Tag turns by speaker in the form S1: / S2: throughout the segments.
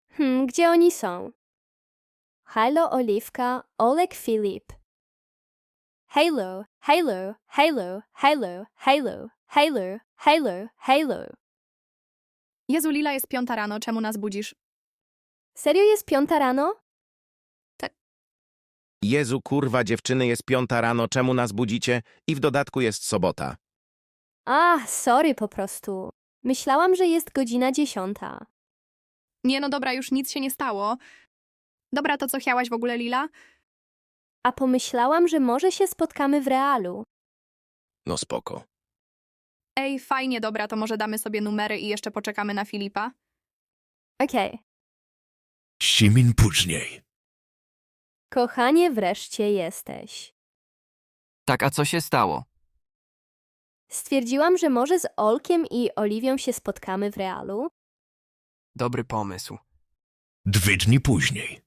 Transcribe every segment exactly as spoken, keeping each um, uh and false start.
S1: Hmm, gdzie oni są? Halo, Oliwka, Olek, Filip. Halo, halo, halo, halo, halo, halo, halo, halo.
S2: Jezu, Lila, jest piąta rano, czemu nas budzisz?
S1: Serio jest piąta rano?
S3: Jezu, kurwa, dziewczyny, jest piąta rano, czemu nas budzicie? I w dodatku jest sobota.
S1: A, sorry po prostu. Myślałam, że jest godzina dziesiąta.
S2: Nie, no dobra, już nic się nie stało. Dobra, to co chciałaś w ogóle, Lila?
S1: A pomyślałam, że może się spotkamy w realu.
S3: No spoko.
S2: Ej, fajnie, dobra, to może damy sobie numery i jeszcze poczekamy na Filipa?
S1: Okej.
S4: Simin później.
S1: Kochanie, wreszcie jesteś.
S5: Tak, a co się stało?
S1: Stwierdziłam, że może z Olkiem i Oliwią się spotkamy w realu.
S5: Dobry pomysł.
S4: Dwa dni później.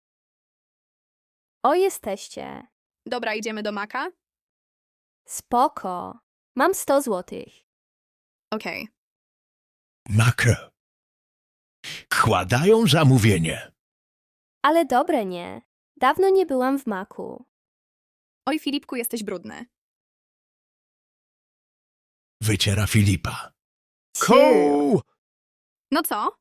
S1: O, jesteście.
S2: Dobra, idziemy do Maka?
S1: Spoko. Mam sto złotych.
S2: Okej.
S4: Makro. Kładają zamówienie.
S1: Ale dobre nie. Dawno nie byłam w Maku.
S2: Oj, Filipku, jesteś brudny.
S4: Wyciera Filipa.
S3: Koł!
S2: No co?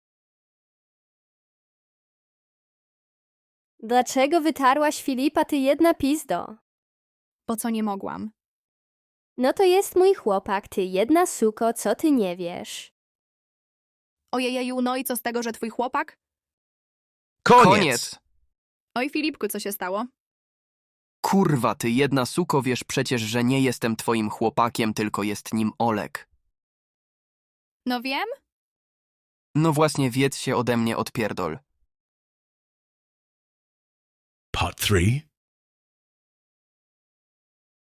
S1: Dlaczego wytarłaś Filipa, ty jedna pizdo?
S2: Po co nie mogłam?
S1: No to jest mój chłopak, ty jedna suko, co ty nie wiesz.
S2: Ojejeju, no i co z tego, że twój chłopak?
S3: Koniec!
S2: Oj, Filipku, co się stało?
S5: Kurwa, ty jedna suko, wiesz przecież, że nie jestem twoim chłopakiem, tylko jest nim Olek.
S2: No wiem.
S5: No właśnie, wiedz się ode mnie odpierdol.
S4: Part three.